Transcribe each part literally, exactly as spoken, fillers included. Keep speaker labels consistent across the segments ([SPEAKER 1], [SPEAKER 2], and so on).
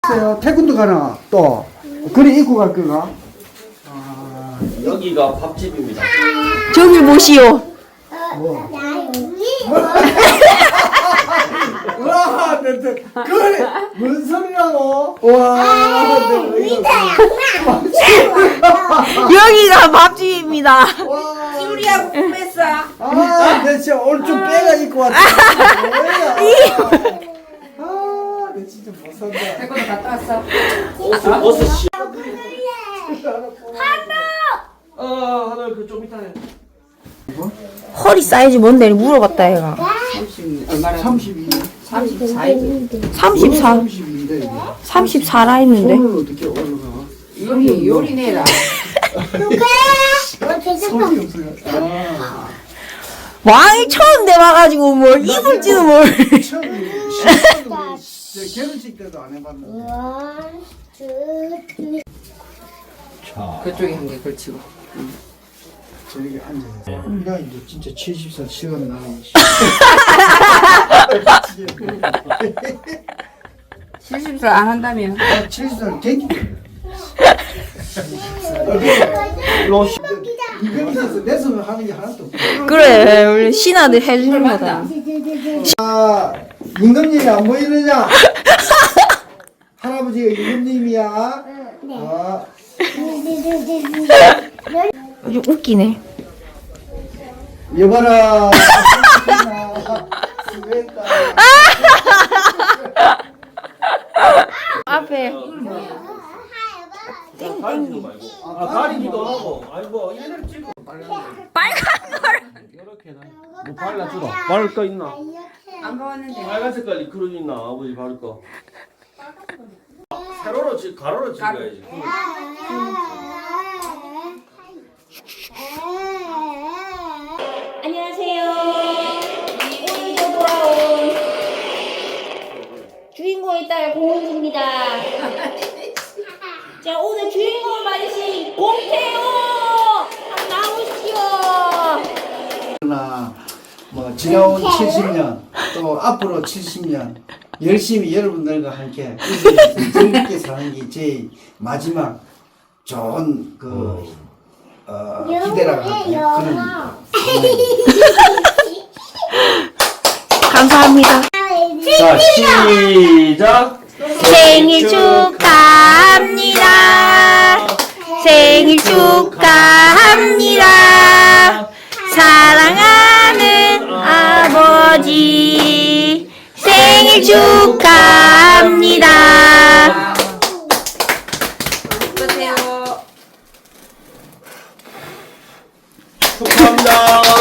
[SPEAKER 1] 글쎄요, 태권도 가나, 또. 그래, 입고 갈 거가? 아,
[SPEAKER 2] 여기가 밥집입니다.
[SPEAKER 3] 저기 보시오.
[SPEAKER 1] 뭐. 와, 내, 내, 그래, 뭔 소리라고? 와, 내, 이거.
[SPEAKER 3] 여기가 밥집입니다.
[SPEAKER 1] 와.
[SPEAKER 4] 우리하고 꿈했어.
[SPEAKER 1] 아, 내 진짜 오늘 좀 빼가 입고 왔다. 뭐야. 아, 내 진짜 못 산다.
[SPEAKER 4] 태권도 갔다 왔어.
[SPEAKER 2] 어스 어스 씨. 어 하늘 그좀 이따 해.
[SPEAKER 3] 허리 사이즈 뭔데 물어봤다 얘가.
[SPEAKER 4] 삼십 얼마나?
[SPEAKER 1] 삼십이.
[SPEAKER 4] 삼십사이지.
[SPEAKER 3] 삼십사.
[SPEAKER 1] 삼십인데.
[SPEAKER 3] 삼십사라 했는데.
[SPEAKER 1] 손을 어떻게 올라가?
[SPEAKER 4] 요리 요리네라.
[SPEAKER 1] 손이 없어요. 아.
[SPEAKER 3] 왕이 처음 돼봐가지고 뭘 입을지도 뭘.
[SPEAKER 1] 처음에 시작도 저 결혼식 때도 안 해봤는데.
[SPEAKER 4] 그쪽에 한 개 걸치고.
[SPEAKER 1] 저기 앉아서. 야, 이제 진짜 칠십 살 시간 나는.
[SPEAKER 4] 칠십 살 안 한다면.
[SPEAKER 1] 아, 칠십 살 갱기. 이병이 있어서 내 손을 하는 게 하나도 없어.
[SPEAKER 3] 그래 원래 신하들 해주는 거다.
[SPEAKER 1] 아, 임금님이 안 보이느냐? 할아버지가 임금님이야. 아,
[SPEAKER 3] 좀 웃기네.
[SPEAKER 1] 여봐라. 수고했다.
[SPEAKER 3] 앞에
[SPEAKER 2] 가리지도 말고. 아 가리기도 하고. 아이고 얘네를 찍어.
[SPEAKER 3] 빨간 걸.
[SPEAKER 2] 이렇게 나. 뭐 발라주라. 바를 거 있나?
[SPEAKER 4] 안 먹었는데.
[SPEAKER 2] 빨간 색깔 리크론 있나? 아버지 바를 거. 세로로 지 가로로 찍어야지.
[SPEAKER 3] 안녕하세요. 오늘도 돌아온 주인공의 딸 고은주입니다. 자, 오늘 주인공을 맞으신 공태호 나오시오.
[SPEAKER 1] 그러나 뭐 지나온 칠십 년 또 앞으로 칠십 년 열심히 여러분들과 함께 즐겁게 사는 게 제 마지막 좋은 그 어, 기대라고 할까요? 그런
[SPEAKER 3] 감사합니다.
[SPEAKER 2] 자 시작.
[SPEAKER 3] 생일 축하합니다. 생일 축하합니다. 사랑하는 아버지 생일 축하합니다.
[SPEAKER 4] 어떠세요?
[SPEAKER 2] 축하합니다.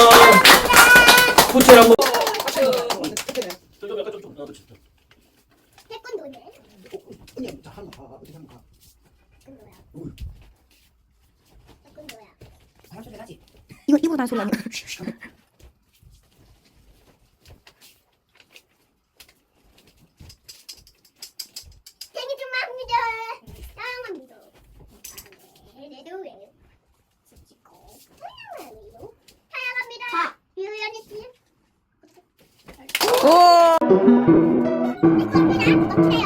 [SPEAKER 2] 호텔 한번. 저좀 약간 좀 좀. 나도 진짜.
[SPEAKER 3] 이거 이거 나 소리 아니야?
[SPEAKER 5] 생일 축하합니다. 사랑합니다. 내도 왜? 사랑합니다. 사랑합니다. 유연이 씨.
[SPEAKER 3] 오.
[SPEAKER 5] 이겁니다. 어때요?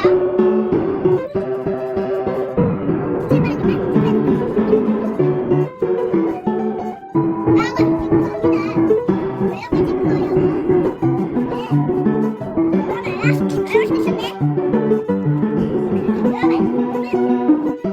[SPEAKER 5] 제발.